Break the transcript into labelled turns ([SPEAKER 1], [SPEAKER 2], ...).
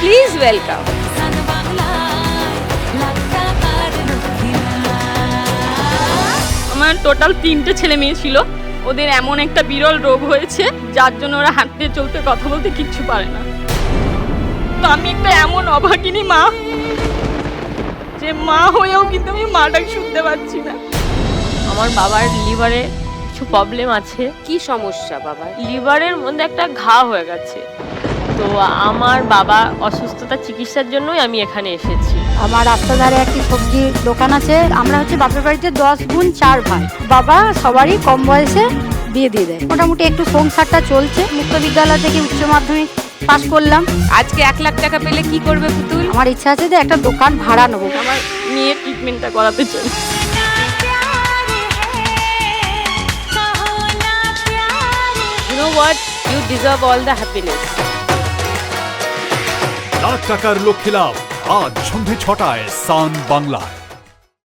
[SPEAKER 1] Please welcome.
[SPEAKER 2] আমার total 3টে ছেলে মেয়ে ছিল। ওদের এমন একটা বিরল রোগ হয়েছে যার জন্য ওরা হাঁটতে চলতে কথা বলতে কিচ্ছু পারে না। তো আমি একটা এমন অভাগিনী মা, যে মা হয়েও কিন্তু আমি মাটাকে শুনতে পাচ্ছি না।
[SPEAKER 3] আমার বাবার লিভারে কিছু প্রবলেম আছে।
[SPEAKER 1] কি সমস্যা বাবার?
[SPEAKER 3] লিভারের মধ্যে একটা ঘা হয়ে গেছে। তো আমার বাবা অসুস্থতার চিকিৎসার জন্যই আমি এখানে এসেছি।
[SPEAKER 4] আমার রাস্তার ধারে একটি সবজির দোকান আছে। আমরা হচ্ছে বাপের বাড়িতে 10 বোন 4 ভাই। বাবা সবারই কম বয়সে বিয়ে দিয়ে দেয়। মোটামুটি একটু সংসারটা চলছে। মুক্ত বিদ্যালয় থেকে উচ্চ মাধ্যমিক পাশ করলাম।
[SPEAKER 1] আজকে 1 লাখ টাকা পেলে কি করবে পুতুল?
[SPEAKER 4] আমার ইচ্ছা আছে যে একটা দোকান ভাড়া নেবো।
[SPEAKER 2] আমার মেয়ের ট্রিটমেন্টটা করাতে চাই।
[SPEAKER 1] You know what? You deserve all the happiness.
[SPEAKER 5] Lakh টাকার লক্ষ্যে লাভ আজ সন্ধ্যে 6টায় সান বাংলায়।